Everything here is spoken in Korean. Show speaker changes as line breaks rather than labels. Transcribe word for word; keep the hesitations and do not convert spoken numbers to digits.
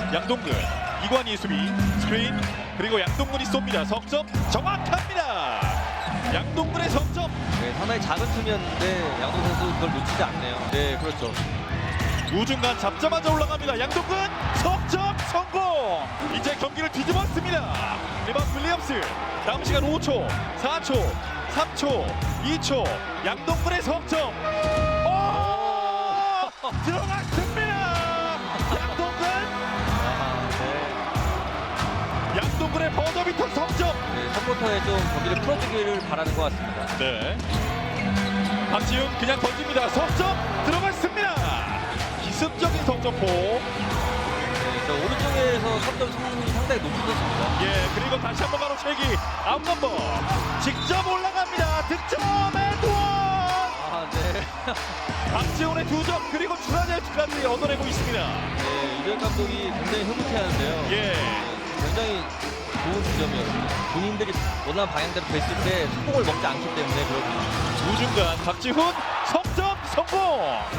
양동근, 이관희 수비, 스크린, 그리고 양동근이 쏩니다. 석점 정확합니다. 양동근의 석점.
네, 상당히 작은 틈이었는데 양동 선수 그걸 놓치지 않네요. 네, 그렇죠.
우중간 잡자마자 올라갑니다. 양동근 석점 성공. 이제 경기를 뒤집었습니다. 리바운드 윌리엄스. 남은 시간 오 초, 사 초, 삼 초, 이 초. 양동근의 석점. 오! 들어갔습니다. 양동근.
아, 네.
양동근의 버저비터 석점.
네, 첫 쿼터에 좀 경기를 풀어주기를 바라는 것 같습니다.
네. 박지훈 그냥 던집니다. 석점 들어갔습니다. 기습적인 석점포.
네, 저 오른쪽에서 석점 성공률이 상당히 높아졌습니다.
예, 그리고 다시 한번 바로 채기. 아웃 넘버. 직접 올라갑니다. 득점의 도원.
아, 네.
박지훈의 두 점 그리고 추가제까지 얻어내고 있습니다.
네, 이전 감독이 굉장히 흐뭇해하는데요.
예.
굉장히 좋은 지점이었습니다. 본인들이 원하는 방향대로 됐을 때 성공을 먹지 않기 때문에 그렇습니다.
우중간 박지훈 석점 성공.